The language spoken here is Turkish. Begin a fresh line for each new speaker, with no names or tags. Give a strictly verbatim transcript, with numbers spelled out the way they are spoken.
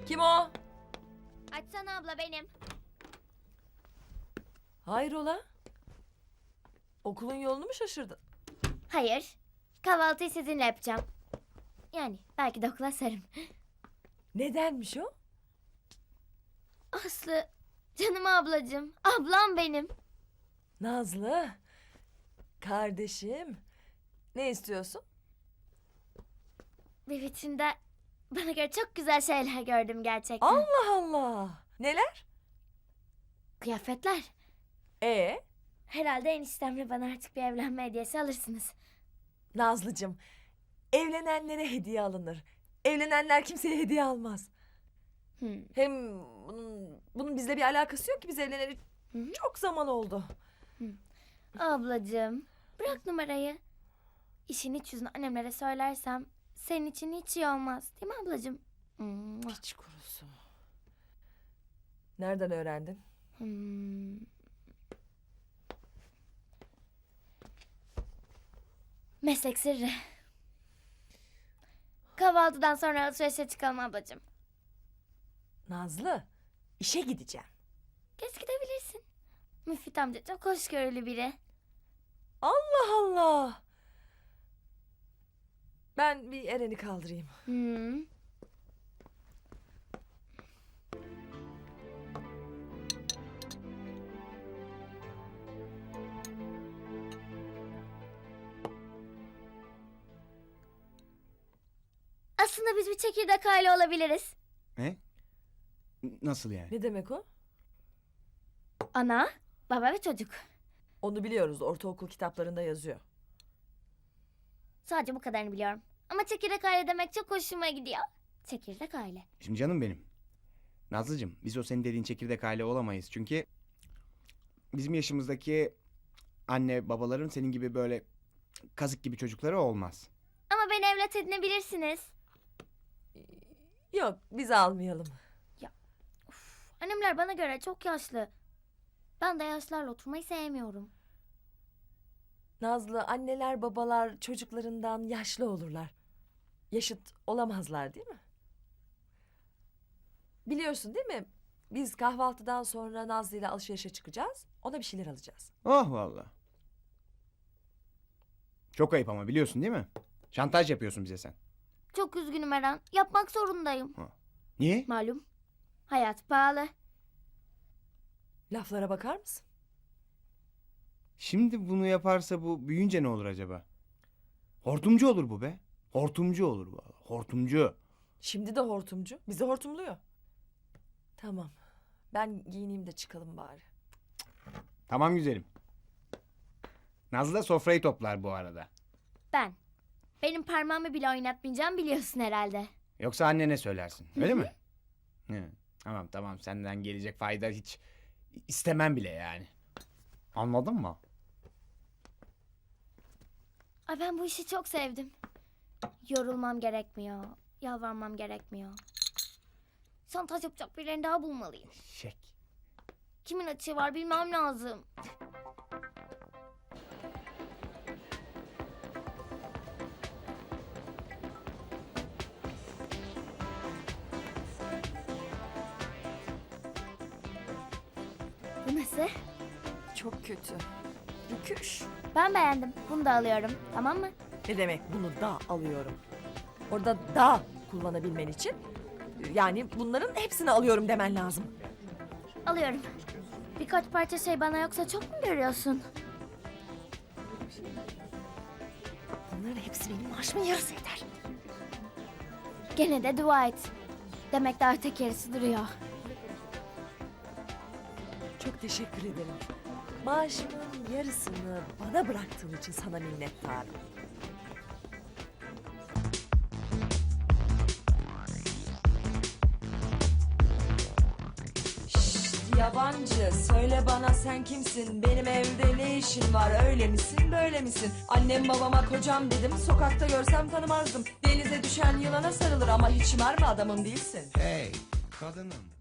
Kim o?
Açsana abla, benim.
Hayrola? Okulun yolunu mu şaşırdın?
Hayır. Kahvaltıyı sizinle yapacağım. Yani belki de okula sarım.
Nedenmiş o?
Aslı, canım ablacığım. Ablam benim.
Nazlı. Kardeşim. Ne istiyorsun?
Bir vitrinde bana göre çok güzel şeyler gördüm gerçekten.
Allah Allah. Neler?
Kıyafetler.
Ee,
Herhalde eniştemle bana artık bir evlenme hediyesi alırsınız.
Nazlıcığım. Evlenenlere hediye alınır. Evlenenler kimseye hediye almaz.
Hmm.
Hem bunun, bunun bizle bir alakası yok ki, biz evleneli
Hı hı.
çok zaman oldu.
Ablacığım, bırak numarayı. İşin iç yüzünü annemlere söylersem senin için hiç iyi olmaz. Değil mi ablacığım? Mua.
Hiç kurusu. Nereden öğrendin?
Hmm. Meslek sırrı. Kahvaltıdan sonra alışverişe çıkalım ablacığım.
Nazlı, işe gideceğim.
Geç gidebilirsin. Müfit amca çok hoşgörülü biri.
Allah Allah. Ben bir Eren'i kaldırayım.
Hmm. Aslında biz bir çekirdek aile olabiliriz.
Ne? Nasıl yani?
Ne demek o?
Ana, baba ve çocuk.
Onu biliyoruz, ortaokul kitaplarında yazıyor.
Sadece bu kadarını biliyorum. Ama çekirdek aile demek çok hoşuma gidiyor. Çekirdek aile.
Şimdi canım benim. Nazlıcığım, biz o senin dediğin çekirdek aile olamayız. Çünkü bizim yaşımızdaki anne babaların senin gibi böyle kazık gibi çocukları olmaz.
Ama beni evlat edinebilirsiniz.
Yok, biz almayalım.
Annemler bana göre çok yaşlı. Ben de yaşlarla oturmayı sevmiyorum.
Nazlı, anneler babalar çocuklarından yaşlı olurlar. Yaşıt olamazlar değil mi? Biliyorsun değil mi? Biz kahvaltıdan sonra Nazlı ile alışverişe çıkacağız. Ona bir şeyler alacağız.
Oh vallahi. Çok ayıp ama biliyorsun değil mi? Şantaj yapıyorsun bize sen.
Çok üzgünüm Eren. Yapmak zorundayım.
Niye?
Malum. Hayat pahalı.
Laflara bakar mısın?
Şimdi bunu yaparsa bu büyüyünce ne olur acaba? Hortumcu olur bu be. Hortumcu olur bu. Hortumcu.
Şimdi de hortumcu. Bizi hortumluyor. Tamam. Ben giyineyim de çıkalım bari.
Tamam güzelim. Nazlı da sofrayı toplar bu arada.
Ben. Benim parmağımı bile oynatmayacağım biliyorsun herhalde.
Yoksa annene söylersin. Öyle mi? Hı. Tamam tamam senden gelecek fayda hiç istemem bile yani. Anladın mı?
Ay ben bu işi çok sevdim. Yorulmam gerekmiyor. Yalvarmam gerekmiyor. Şantaj yapacak birilerini daha bulmalıyım.
Şek.
Kimin açığı var bilmem lazım. Bu nasıl?
Çok kötü. Rüküş.
Ben beğendim. Bunu da alıyorum. Tamam mı?
Ne demek bunu da alıyorum? Orada da kullanabilmen için yani bunların hepsini alıyorum demen lazım.
Alıyorum. Birkaç parça şey bana yoksa çok mu görüyorsun?
Bunların hepsi benim maaşımın yarısı eder.
Gene de dua et. Demek daha tek yarısı duruyor.
Çok teşekkür ederim. Maaşımın yarısını bana bıraktığın için sana minnettarım. Şşt, yabancı söyle bana sen kimsin? Benim evde ne işin var? Öyle misin böyle misin? Annem babama kocam dedim. Sokakta görsem tanımazdım. Denize düşen yılana sarılır ama hiç mermi adamım değilsin.
Hey kadınım.